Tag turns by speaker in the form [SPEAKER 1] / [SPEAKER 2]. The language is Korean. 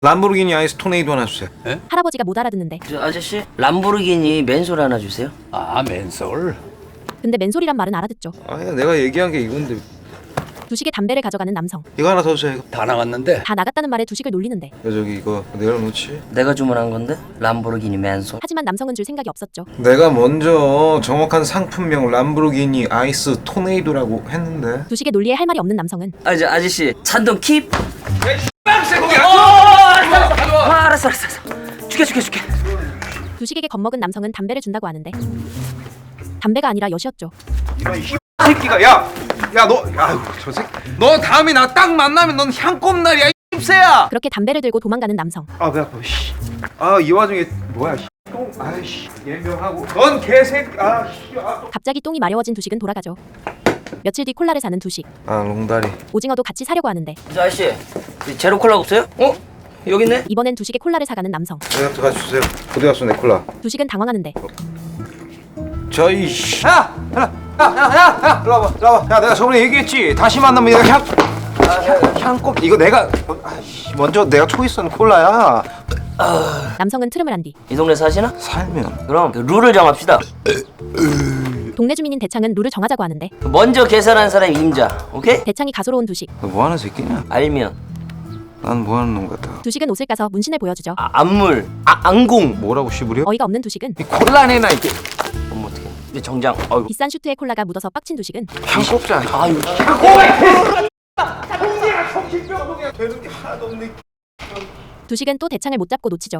[SPEAKER 1] 람보르기니 아이스 토네이도 하나 주세요.
[SPEAKER 2] 할아버지가 못 알아듣는데.
[SPEAKER 3] 저 아저씨 람보르기니 맨솔 하나 주세요.
[SPEAKER 4] 아, 맨솔.
[SPEAKER 2] 근데 맨솔이란 말은 알아듣죠.
[SPEAKER 1] 아야 내가 얘기한 게 이건데.
[SPEAKER 2] 두식에 담배를 가져가는 남성.
[SPEAKER 1] 이거 하나 더 주세요. 이거.
[SPEAKER 4] 다 나갔는데.
[SPEAKER 2] 다 나갔다는 말에 두식을 놀리는데.
[SPEAKER 1] 저기 이거 내려놓지.
[SPEAKER 3] 내가 주문한 건데 람보르기니 맨솔.
[SPEAKER 2] 하지만 남성은 줄 생각이 없었죠.
[SPEAKER 1] 내가 먼저 정확한 상품명 람보르기니 아이스 토네이도라고 했는데.
[SPEAKER 2] 두식의 논리에 할 말이 없는 남성은
[SPEAKER 3] 아저씨 찬동 킵. 알았어. 줄게.
[SPEAKER 2] 두식에게 겁먹은 남성은 담배를 준다고 하는데 담배가 아니라 엿이었죠.
[SPEAKER 1] 새끼가 야 너 아유 저 새끼 너 다음에 나 딱 만나면 넌 향꼽날이야 이 씹새야.
[SPEAKER 2] 그렇게 담배를 들고 도망가는 남성.
[SPEAKER 1] 배 아파. 씨. 이 와중에 뭐야? 똥. 아이씨. 예명하고. 넌 개새끼.
[SPEAKER 2] 갑자기 똥이 마려워진 두식은 돌아가죠. 며칠 뒤 콜라를 사는 두식.
[SPEAKER 1] 롱다리.
[SPEAKER 2] 오징어도 같이 사려고 하는데
[SPEAKER 3] 저 아저씨 제로 콜라 없어요? 여기 있네.
[SPEAKER 2] 이번엔 두식의 콜라를 사가는 남성.
[SPEAKER 1] 내가 같이 주세요. 어디 갔어 내 콜라?
[SPEAKER 2] 두식은 당황하는데
[SPEAKER 1] 저이 씨. 야, 일로 와봐. 야, 내가 저번에 얘기했지. 다시 만나면 내가 향꼽 이거 내가 먼저 내가 초이스한 콜라야.
[SPEAKER 2] 남성은 트름을 한 뒤
[SPEAKER 3] 이 동네 사시나?
[SPEAKER 1] 살면.
[SPEAKER 3] 그럼 그 룰을 정합시다.
[SPEAKER 2] 동네 주민인 대창은 룰을 정하자고 하는데
[SPEAKER 3] 먼저 계산한 사람이 임자. 오케이?
[SPEAKER 2] 대창이 가소로운 두식.
[SPEAKER 1] 너 뭐하는 새끼냐?
[SPEAKER 3] 알면
[SPEAKER 1] 난 뭐하는 놈 같아.
[SPEAKER 2] 두식은 옷을 까서 문신을 보여주죠.
[SPEAKER 3] 안물. 앙공.
[SPEAKER 1] 뭐라고 씨부려?
[SPEAKER 2] 어이가 없는 두식은
[SPEAKER 1] 이 콜라내나 이게
[SPEAKER 3] 어머 어떡해. 이제 정장. 어이구.
[SPEAKER 2] 비싼 슈트에 콜라가 묻어서 빡친 두식은
[SPEAKER 1] 향꼽자.
[SPEAKER 3] 아유.
[SPEAKER 2] 두식은 또 대창을 못 잡고 놓치죠.